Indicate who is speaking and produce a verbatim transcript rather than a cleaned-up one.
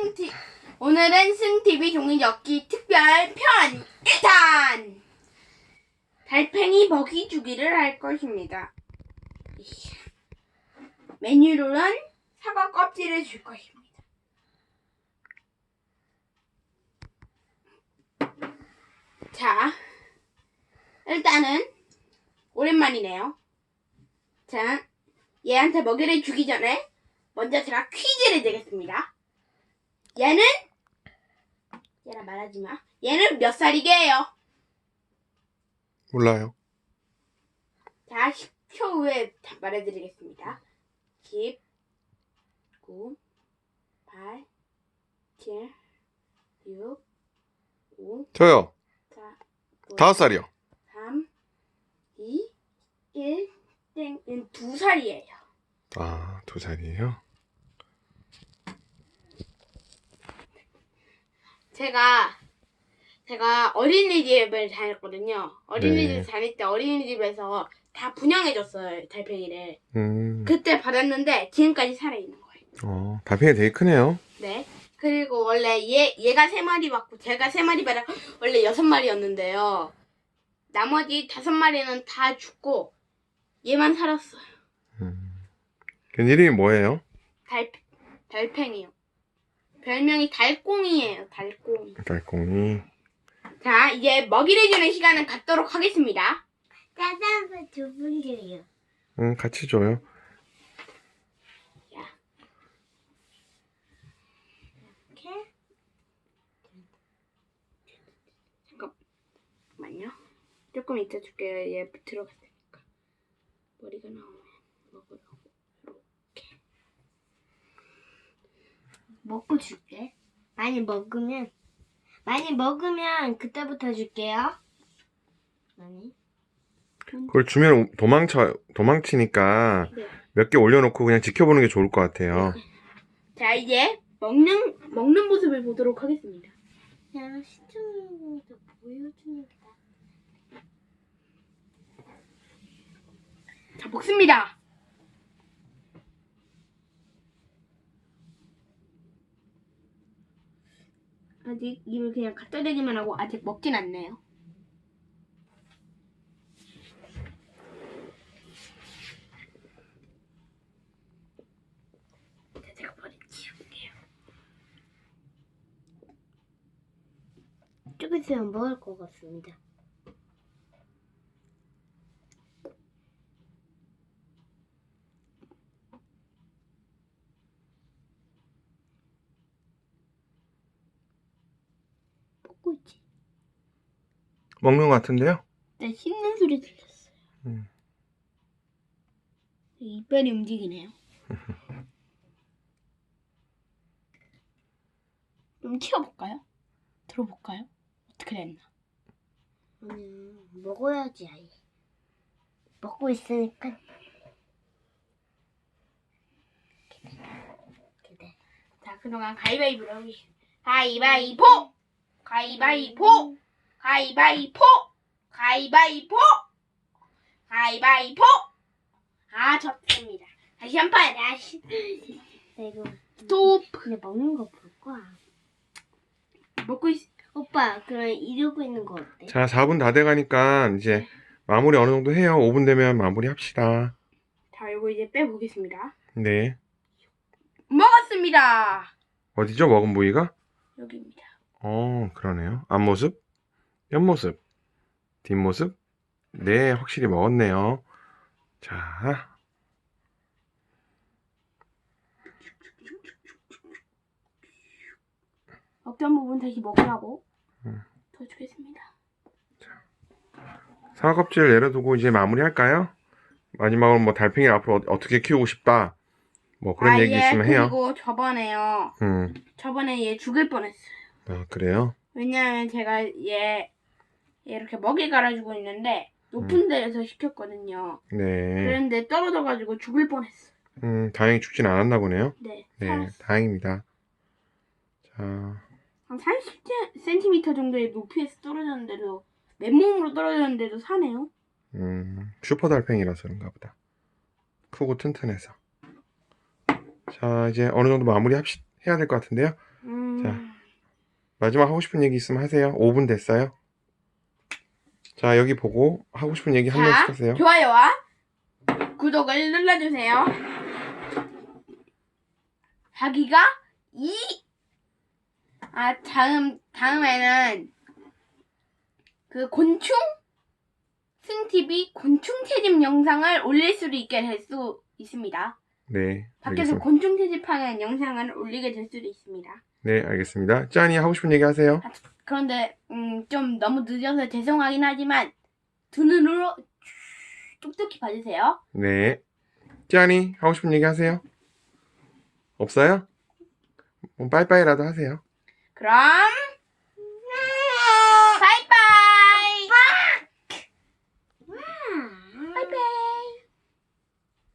Speaker 1: 승티 오늘은 승티비 종이접기 특별 편 일 탄 달팽이 먹이 주기를 할 것입니다. 메뉴로는 사과 껍질을 줄 것입니다. 자, 일단은 오랜만이네요. 자, 얘한테 먹이를 주기 전에 먼저 제가 퀴즈를 내겠습니다. 얘는 얘랑 말하지 마. 얘는 몇 살이게요?
Speaker 2: 몰라요.
Speaker 1: 자, 십 초 후에 말해드리겠습니다. 십, 구, 팔, 칠, 육, 오,
Speaker 2: 저요.
Speaker 1: 사,
Speaker 2: 다섯 살이요.
Speaker 1: 삼, 이, 일, 땡, 두 살이에요.
Speaker 2: 아, 두 살이에요?
Speaker 1: 제가 제가 어린이집을 다녔거든요. 어린이집
Speaker 2: 네.
Speaker 1: 다닐 때 어린이집에서 다 분양해줬어요, 달팽이를.
Speaker 2: 음,
Speaker 1: 그때 받았는데 지금까지 살아있는 거예요.
Speaker 2: 어, 달팽이 되게 크네요.
Speaker 1: 네. 그리고 원래 얘 얘가 세 마리 받고 제가 세 마리 받아 원래 여섯 마리였는데요. 나머지 다섯 마리는 다 죽고 얘만 살았어요.
Speaker 2: 음, 걔 이름이 뭐예요?
Speaker 1: 달 달팽이요. 별명이 달꽁이에요. 달꽁이.
Speaker 2: 달콩이.
Speaker 1: 자, 이제 먹이를 주는 시간은 갖도록 하겠습니다.
Speaker 3: 짜장면 두 분 줘요.
Speaker 2: 응, 같이 줘요.
Speaker 3: 이렇게?
Speaker 1: 잠깐만요. 조금 이따 줄게요. 얘 들어갔으니까. 머리가 나오면 먹으라고. 이렇게.
Speaker 3: 먹고 줄게. 많이 먹으면 많이 먹으면 그때부터 줄게요. 많이.
Speaker 2: 그걸 주면 도망쳐, 도망치니까
Speaker 1: 네.
Speaker 2: 몇 개 올려놓고 그냥 지켜보는 게 좋을 것 같아요.
Speaker 1: 자, 이제 먹는 먹는 모습을 보도록 하겠습니다.
Speaker 3: 그냥 시청자분들 보여주는 게 나.
Speaker 1: 자, 먹습니다. 아직 입을 그냥 갖다 대기만 하고 아직 먹진 않네요. 자, 제가 버리치울게요.
Speaker 3: 조금 있으면 먹을 것 같습니다. 먹고 있지.
Speaker 2: 먹는 것 같은데요?
Speaker 1: 네, 씹는 소리 들렸어요.
Speaker 2: 음.
Speaker 1: 이빨이 움직이네요. 좀 치워볼까요? 들어볼까요? 어떻게 됐나?
Speaker 3: 아니, 먹어야지 아예. 먹고 있으니까. 기대.
Speaker 1: 자, 그동안 가위바위보로 하겠습니다. 가위바위보! 가위바위보! 가위바위보! 가위바위보! 가위바위보! 아, 졌습니다. 다시 한 판! 다시.
Speaker 3: 이거
Speaker 1: 스톱!
Speaker 3: 근데 먹는 거 볼 거야.
Speaker 1: 먹고 있...
Speaker 3: 오빠, 그럼 이러고 있는 거 어때?
Speaker 2: 자, 사 분 다 돼가니까 이제 마무리 어느 정도 해요. 오 분 되면 마무리 합시다.
Speaker 1: 자, 이거 이제 빼보겠습니다.
Speaker 2: 네.
Speaker 1: 먹었습니다!
Speaker 2: 어디죠? 먹은 부위가?
Speaker 1: 여기입니다.
Speaker 2: 어, 그러네요. 앞모습, 옆모습, 뒷모습. 네, 확실히 먹었네요. 자,
Speaker 1: 어떤 부분 다시 먹으라고
Speaker 2: 음.
Speaker 1: 더 주겠습니다.
Speaker 2: 사과 껍질 내려두고 이제 마무리 할까요? 마지막으로 뭐 달팽이 앞으로 어- 어떻게 키우고 싶다. 뭐 그런
Speaker 1: 아,
Speaker 2: 얘기
Speaker 1: 예,
Speaker 2: 있으면 해요.
Speaker 1: 그리고 저번에요.
Speaker 2: 음,
Speaker 1: 저번에 얘 죽을 뻔했어요.
Speaker 2: 아, 그래요?
Speaker 1: 왜냐면 제가 얘, 얘 이렇게 먹이 갈아주고 있는데 높은 데에서 시켰거든요.
Speaker 2: 네.
Speaker 1: 그런데 떨어져가지고 죽을 뻔했어요.
Speaker 2: 음, 다행히 죽진 않았나 보네요.
Speaker 1: 네,
Speaker 2: 네,
Speaker 1: 살았어요.
Speaker 2: 다행입니다. 자,
Speaker 1: 한 삼십 센티미터 정도의 높이에서 떨어졌는데도 맨몸으로 떨어졌는데도 사네요.
Speaker 2: 음, 슈퍼 달팽이라서 그런가 보다. 크고 튼튼해서. 자, 이제 어느 정도 마무리 합시, 해야 될 것 같은데요.
Speaker 1: 음...
Speaker 2: 자. 마지막 하고 싶은 얘기 있으면 하세요. 오 분 됐어요. 자, 여기 보고 하고 싶은 얘기 한 명씩
Speaker 1: 자,
Speaker 2: 하세요.
Speaker 1: 좋아요와 구독을 눌러주세요. 자기가 이, 아, 다음, 다음에는 그 곤충? 승티비 곤충 채집 영상을 올릴 수도 있게 될 수 있습니다.
Speaker 2: 네,
Speaker 1: 밖에서
Speaker 2: 알겠습니다.
Speaker 1: 곤충 채집하는 영상을 올리게 될 수도 있습니다.
Speaker 2: 네, 알겠습니다. 짠이 하고 싶은 얘기 하세요.
Speaker 1: 그런데 음, 좀 너무 늦어서 죄송하긴 하지만 두 눈으로 똑똑히 봐주세요.
Speaker 2: 네. 짠이 하고 싶은 얘기 하세요. 없어요? 그럼 빠이빠이라도 하세요.
Speaker 1: 그럼